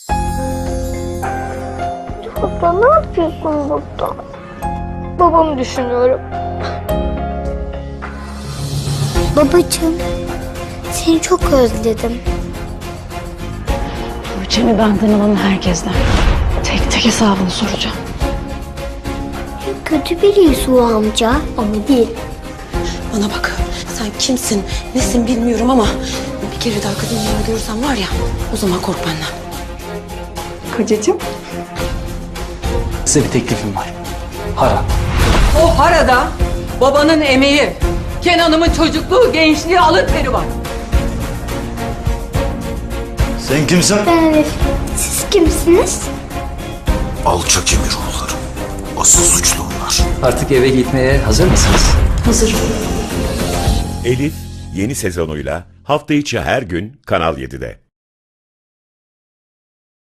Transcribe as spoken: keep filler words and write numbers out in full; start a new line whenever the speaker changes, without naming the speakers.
Baba ne yapıyorsun burada? Babamı düşünüyorum. Babacığım, seni çok özledim.
Tuğçe'mi benden alan herkesten tek tek hesabını soracağım.
Kötü biriyiz o amca ama değil.
Bana bak, sen kimsin, nesin bilmiyorum ama bir kere daha kadın yanına görürsem var ya, o zaman kork benden.
Kocacığım.
Size bir teklifim var. Para.
O harada babanın emeği, Kenan'ımın çocukluğu, gençliği, alın teri var.
Sen kimsin?
Ben Elif. Siz kimsiniz?
Alçak Emiroğulları. Asıl suçlu onlar.
Artık eve gitmeye hazır mısınız?
Hazır.
Elif yeni sezonuyla hafta içi her gün Kanal yedide.